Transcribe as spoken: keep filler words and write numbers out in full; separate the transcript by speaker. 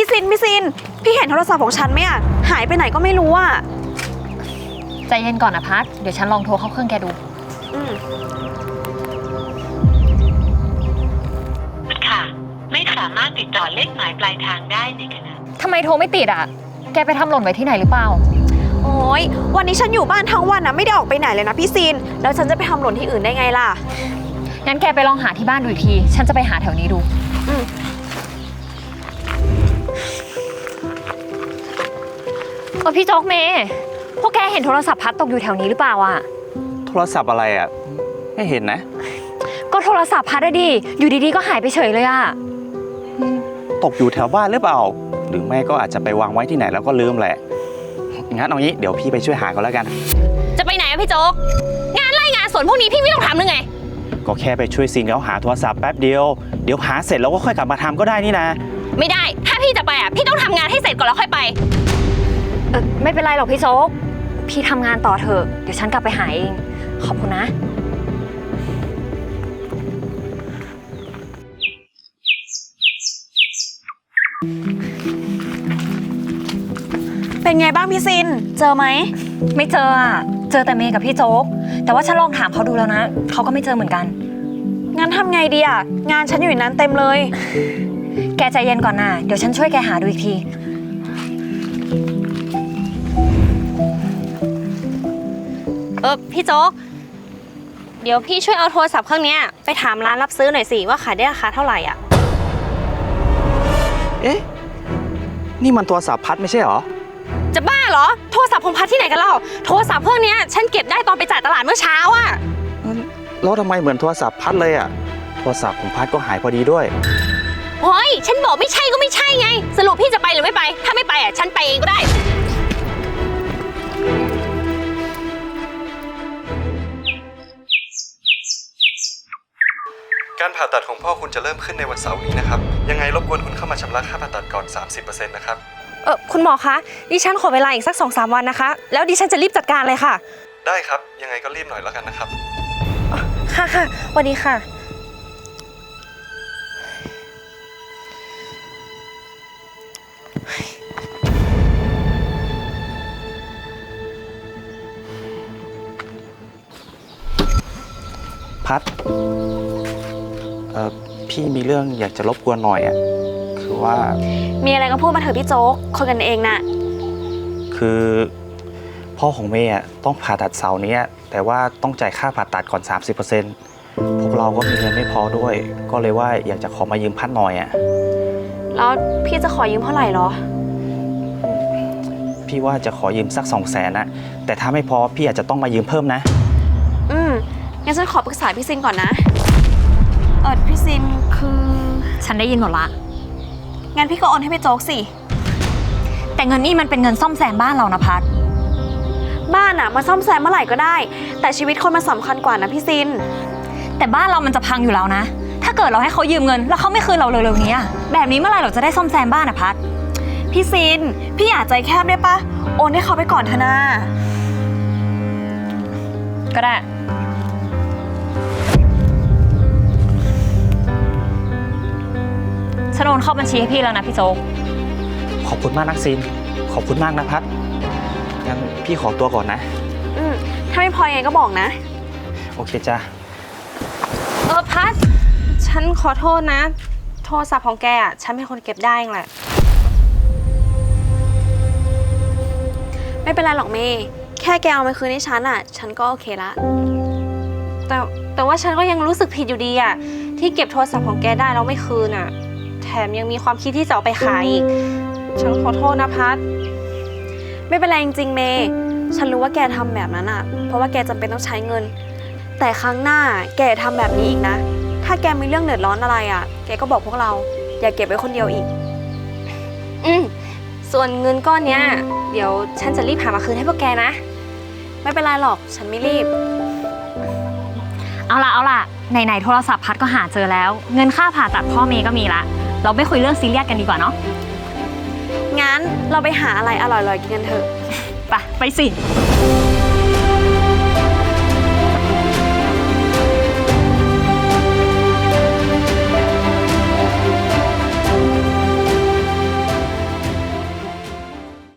Speaker 1: ซินพี่ซินพี่เห็นโทรศัพท์ของฉันไหมอะหายไปไหนก็ไม่รู้อะ
Speaker 2: ใจเย็นก่อนนะพัดเดี๋ยวฉันลองโทรเข้าเครื่องแกดู
Speaker 1: อืม
Speaker 3: ค่ะไม่สามารถติดต่อเลขหมายปลายทางได้ในขณะ
Speaker 2: ทำไมโทรไม่ติดอ่ะแกไปทำหล่นไว้ที่ไหนหรือเปล่า
Speaker 1: โอ้ยวันนี้ฉันอยู่บ้านทั้งวันนะไม่ได้ออกไปไหนเลยนะพี่ซินแล้วฉันจะไปทำหล่นที่อื่นได้ไงล่ะ
Speaker 2: งั้นแกไปลองหาที่บ้านดูอีกทีฉันจะไปหาแถวนี้ดู
Speaker 1: อืม
Speaker 2: เออพี่โจ๊กเมย์พวกแกเห็นโทรศัพท์พัดตกอยู่แถวนี้หรือเปล่าอ่ะ
Speaker 4: โทรศัพท์อะไรอ่ะไม่เห็นนะ
Speaker 2: ก็โทรศัพท์พัดอะดิอยู่ดีๆก็หายไปเฉยเลยอ่ะ
Speaker 4: ตกอยู่แถวบ้านหรือเปล่าหรือไม่ก็อาจจะไปวางไว้ที่ไหนแล้วก็ลืมแหละงั้นเอางี้เดี๋ยวพี่ไปช่วยหาก็แล้วกัน
Speaker 2: จะไปไหนอะพี่โจ๊กงานไล่งานสวนพวกนี้พี่ไม่ต้องทำหรือไง
Speaker 4: ก็แค่ไปช่วยซินเขาหาโทรศัพท์แป๊บเดียวเดี๋ยวหาเสร็จแล้วก็ค่อยกลับมาทำก็ได้นี่นะ
Speaker 2: ไม่ได้ถ้าพี่จะไปอ่ะพี่ต้องทำงานให้เสร็จก่อนแล้วค่อยไปเออไม่เป็นไรหรอกพี่โจ๊กพี่ทำงานต่อเถอะเดี๋ยวฉันกลับไปหาเองขอบคุณนะ
Speaker 1: เป็นไงบ้างพี่ซินเจอไหม
Speaker 2: ไม่เจออ่ะเจอแต่เมย์กับพี่โจ๊กแต่ว่าฉันลองถามเขาดูแล้วนะเขาก็ไม่เจอเหมือนกัน
Speaker 1: งั้นทำไงดีอ่ะงานฉันอยู่ในนั้นเต็มเลย
Speaker 2: แกใจเย็นก่อนนะเดี๋ยวฉันช่วยแกหาดูอีกที
Speaker 5: เออพี่โจ๊กเดี๋ยวพี่ช่วยเอาโทรศัพท์เครื่องนี้ไปถามร้านรับซื้อหน่อยสิว่าขายได้ราคาเท่าไหร่อ่ะ
Speaker 4: เอ๊ะนี่มันโทรศัพท์พัดไม่ใช่หรอ
Speaker 5: จะบ้าเหรอโทรศัพท์ของพัดที่ไหนกันเล่าโทรศัพท์เครื่องนี้ฉันเก็บได้ตอนไปจ่ายตลาดเมื่อเช้าอ่ะ
Speaker 4: แล้วทำไมเหมือนโทรศัพท์พัดเลยอ่ะโทรศัพท์ของพัดก็หายพอดีด้วย
Speaker 5: เฮ้ยฉันบอกไม่ใช่ก็ไม่ใช่ไงสรุปพี่จะไปหรือไม่ไปถ้าไม่ไปอ่ะฉันไปเองก็ได้
Speaker 6: การผ่าตัดของพ่อคุณจะเริ่มขึ้นในวันเสาร์นี้นะครับยังไงรบกวนคุณเข้ามาชำระค่าผ่าตัดก่อน สามสิบเปอร์เซ็นต์ นะครับ
Speaker 5: เออคุณหมอคะดิฉันขอเวลาอีกสัก สองสาม วันนะคะแล้วดิฉันจะรีบจัดการเลยค่ะ
Speaker 6: ได้ครับยังไงก็รีบหน่อยแล้วกันนะครับ
Speaker 5: ค่ะค่ะสวัสดีค่ะ
Speaker 4: พัดเอ่อพี่มีเรื่องอยากจะรบกวนหน่อยอ่ะคือว่า
Speaker 1: มีอะไรก็พูดมาเถอะพี่โจ๊กคนกันเองน่ะ
Speaker 4: คือพ่อของเมย์ต้องผ่าตัดเสาร์นี้แต่ว่าต้องจ่ายค่าผ่าตัดก่อน สามสิบเปอร์เซ็นต์ พวกเราก็มีเงินไม่พอด้วยก็เลยว่าอยากจะขอมายืมพัดหน่อยอ่ะ
Speaker 1: แล้วพี่จะขอยืมเท่าไหร่หรอ
Speaker 4: พี่ว่าจะขอยืมสักสองแสนนะแต่ถ้าไม่พอพี่อาจจะต้องมายืมเพิ่มนะ
Speaker 1: อืมงั้นฉันขอปรึกษาพี่ซินก่อนนะเออพี่ซินคือ
Speaker 2: ฉันได้ยินหมดละ
Speaker 1: งั้นพี่ก็โอนให้พี่โจ๊กสิ
Speaker 2: แต่เงินนี่มันเป็นเงินซ่อมแซมบ้านเรานะพัด
Speaker 1: บ้านอะมาซ่อมแซมเมื่อไหร่ก็ได้แต่ชีวิตคนมันสำคัญกว่านะพี่ซิน
Speaker 2: แต่บ้านเรามันจะพังอยู่แล้วนะถ้าเกิดเราให้เขายืมเงินแล้วเขาไม่คืนเราเร็วๆนี้แบบนี้เมื่อไหร่เราจะได้ซ่อมแซมบ้านอะพัด
Speaker 1: พี่ซินพี่อย่าใจแคบได้ปะโอนให้เขาไปก่อนเถอะนะ
Speaker 2: ก็ได้ฉันโอนเข้าบัญชีให้พี่แล้วนะพี่โจ๊ก
Speaker 4: ขอบคุณมากนักซินขอบคุณมากนะพัดงั้นพี่ขอตัวก่อนนะ
Speaker 1: อืมถ้าไม่พอยังไงก็บอกนะ
Speaker 4: โอเคจ้ะ
Speaker 5: เออพัดฉันขอโทษนะโทรศัพท์ของแกอ่ะฉันเป็นคนเก็บได้เองแหละ
Speaker 1: ไม่เป็นไรหรอกเมย์แค่แกเอามาคืนให้ฉันอ่ะฉันก็โอเคละ
Speaker 5: แต่แต่ว่าฉันก็ยังรู้สึกผิดอยู่ดีอ่ะที่เก็บโทรศัพท์ของแกได้แล้วไม่คืนอ่ะแถมยังมีความคิดที่จะเอาไปขายอีกฉันขอโทษนะพัด
Speaker 1: ไม่เป็นไรจริงๆเมย์ฉันรู้ว่าแกทำแบบนั้นอ่ะเพราะว่าแกจำเป็นต้องใช้เงินแต่ครั้งหน้าแกทำแบบนี้อีกนะถ้าแกมีเรื่องเดือดร้อนอะไรอ่ะแกก็บอกพวกเราอย่าเก็บไว้คนเดียวอีก
Speaker 5: อืมส่วนเงินก้อนเนี้ยเดี๋ยวฉันจะรีบหามาคืนให้พวกแกนะ
Speaker 1: ไม่เป็นไรหรอกฉันไม่รีบ
Speaker 2: เอาล่ะเอาล่ะไหนๆโทรศัพท์พัดก็หาเจอแล้วเงินค่าผ่าตัดพ่อเมย์ก็มีละเราไม่คุยเรื่องซีเรียสกันดีกว่าเนาะ
Speaker 1: งั้นเราไปหาอะไรอร่อยๆกินกันเถอะ
Speaker 2: ไปไปสิ